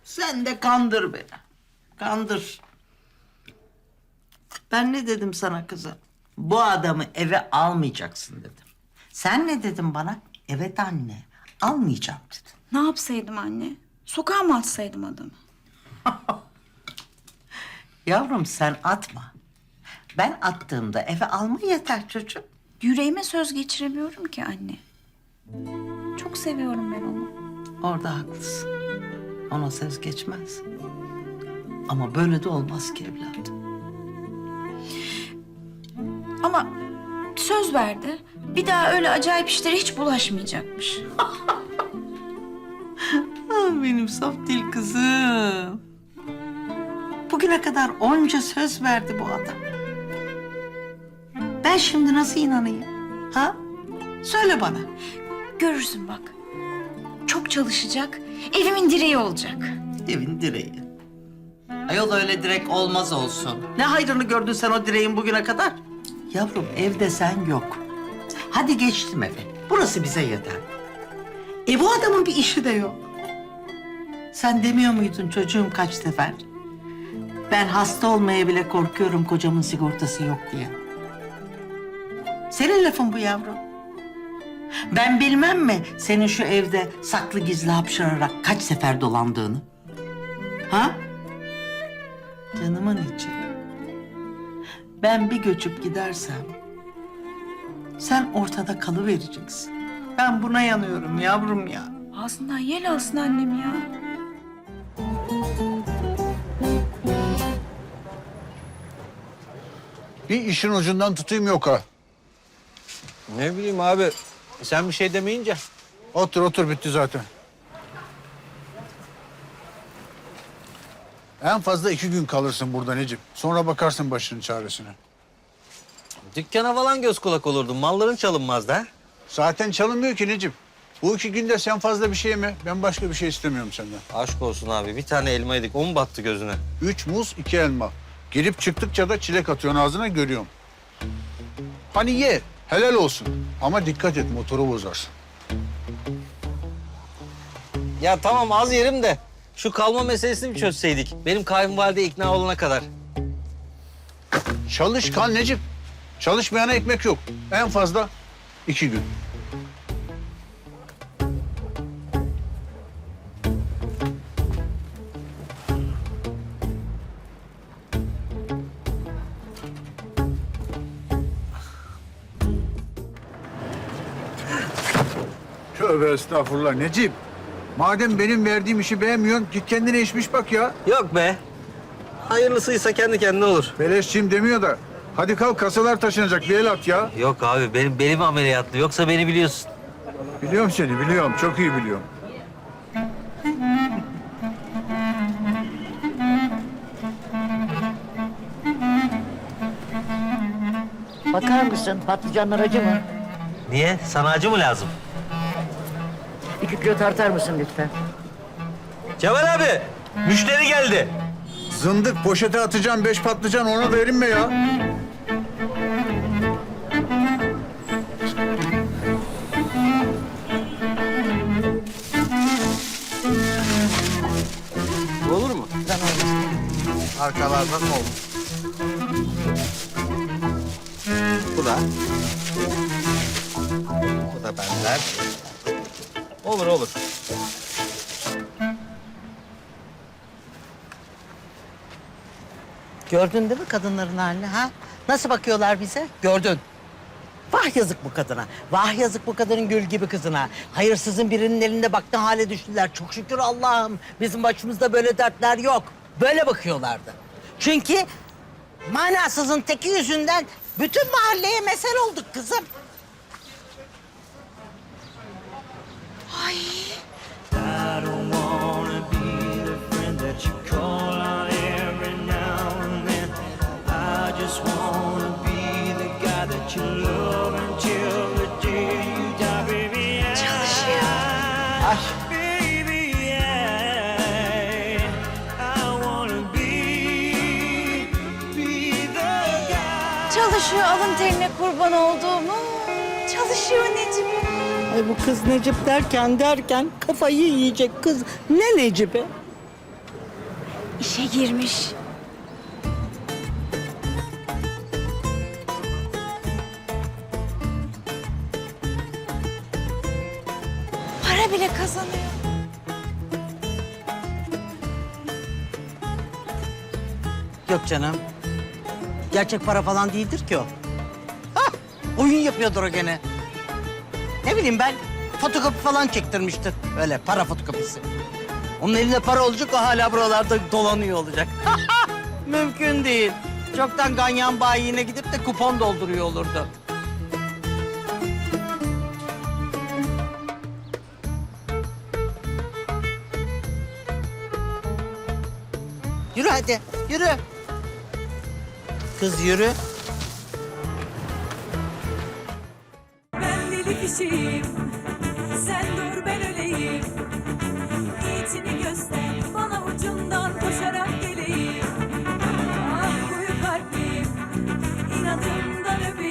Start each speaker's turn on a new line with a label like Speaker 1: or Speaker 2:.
Speaker 1: Sen de kandır beni. Kandır. Ben ne dedim sana kızım? Bu adamı eve almayacaksın dedim. Sen ne dedin bana? Evet anne, almayacağım dedin.
Speaker 2: Ne yapsaydım anne? Sokağa mı atsaydım adamı?
Speaker 1: Yavrum sen atma. Ben attığımda eve alma yeter çocuğum.
Speaker 2: Yüreğime söz geçiremiyorum ki anne. Çok seviyorum ben onu.
Speaker 1: Orada haklısın. Ona söz geçmez. Ama böyle de olmaz ki evladım.
Speaker 2: Ama söz verdi. Bir daha öyle acayip işlere hiç bulaşmayacakmış.
Speaker 1: Ah, benim saf dil kızım. Bugüne kadar onca söz verdi bu adam. Ben şimdi nasıl inanayım? Ha? Söyle bana.
Speaker 2: Görürsün bak. Çok çalışacak, evimin direği olacak.
Speaker 1: Evin direği. Ayol öyle direk olmaz olsun. Ne hayrını gördün sen o direğin bugüne kadar? Yavrum evde sen yok. Hadi geçtim eve. Burası bize yeter. Bu adamın bir işi de yok. Sen demiyor muydun çocuğum kaç sefer? Ben hasta olmaya bile korkuyorum kocamın sigortası yok diye. Senin lafın bu yavrum. Ben bilmem mi senin şu evde saklı gizli hapşırarak kaç sefer dolandığını? Ha? Canımın içi. Ben bir göçüp gidersem sen ortada kalıvereceksin. Ben buna yanıyorum yavrum ya.
Speaker 2: Ağzından yel alsın annem ya.
Speaker 3: Bir işin ucundan tutayım yok ha.
Speaker 4: Ne bileyim abi, sen bir şey demeyince.
Speaker 3: Otur otur bitti zaten. En fazla 2 gün kalırsın burada Necip. Sonra bakarsın başının çaresine.
Speaker 4: Dükkana falan göz kulak olurdum, malların çalınmazdı ha.
Speaker 3: Zaten çalınmıyor ki Necip. Bu 2 günde sen fazla bir şey yeme. Ben başka bir şey istemiyorum senden.
Speaker 4: Aşk olsun abi, bir tane elma yedik, o mu battı gözüne?
Speaker 3: 3 muz, 2 elma. Girip çıktıkça da çilek atıyorsun ağzına görüyorum. Hani ye, helal olsun. Ama dikkat et motoru bozarsın.
Speaker 4: Ya tamam az yerim de, şu kalma meselesini bir çözseydik. Benim kayınvalide ikna olana kadar.
Speaker 3: Çalışkan Necip. Çalışmayana ekmek yok. En fazla 2 gün. Tövbe estağfurullah Necip. Madem benim verdiğim işi beğenmiyorsun, git kendine işmiş bak ya.
Speaker 4: Yok be. Hayırlısıysa kendi kendine olur.
Speaker 3: Beleşçiyim demiyor da. Hadi kalk kasalar taşınacak bir el at ya.
Speaker 4: Yok abi, benim belim ameliyatlı, yoksa beni biliyorsun.
Speaker 3: Biliyorum seni biliyorum, çok iyi biliyorum.
Speaker 5: Bakar mısın? Patlıcanlar acı mı?
Speaker 4: Niye? Sana acı mı lazım?
Speaker 5: 2 kilo tartar mısın lütfen?
Speaker 4: Cemal abi, müşteri geldi.
Speaker 3: Zındık poşete atacağım 5 patlıcan ona da erinme ya.
Speaker 4: Olur mu? Arkalardan olur. Bu da. Bu da benden. Olur olur.
Speaker 6: Gördün değil mi kadınların halini ha? Nasıl bakıyorlar bize? Gördün. Vah yazık bu kadına. Vah yazık bu kadının gül gibi kızına. Hayırsızın birinin elinde baktı hale düştüler. Çok şükür Allah'ım. Bizim başımızda böyle dertler yok. Böyle bakıyorlardı. Çünkü manasızın teki yüzünden bütün mahalleye mesel olduk kızım.
Speaker 7: I don't wanna be the friend that you call on every now and then. I just wanna be the guy that you love until the day you die, baby. Baby, I wanna be the guy.
Speaker 2: Çalışıyor alın terine kurban olduğumu. Çalışıyor Necip.
Speaker 6: Ay bu kız Necip derken kafayı yiyecek kız. Ne Necip'i?
Speaker 2: İşe girmiş. Para bile kazanıyor.
Speaker 6: Yok canım. Gerçek para falan değildir ki o. Hah, oyun yapıyordur o gene. Ne bileyim ben, fotokopi falan çektirmiştir. Öyle para fotokopisi. Onun elinde para olacak, o hala buralarda dolanıyor olacak. Mümkün değil. Çoktan ganyan bayiine gidip de kupon dolduruyor olurdu. Yürü hadi, yürü. Kız yürü.
Speaker 8: Ben deli kişiyim, sen dur ben öleyim. Niyetini göster, bana ucundan koşarak geleyim. Ah kuyu kalbim, inadından öpeyim.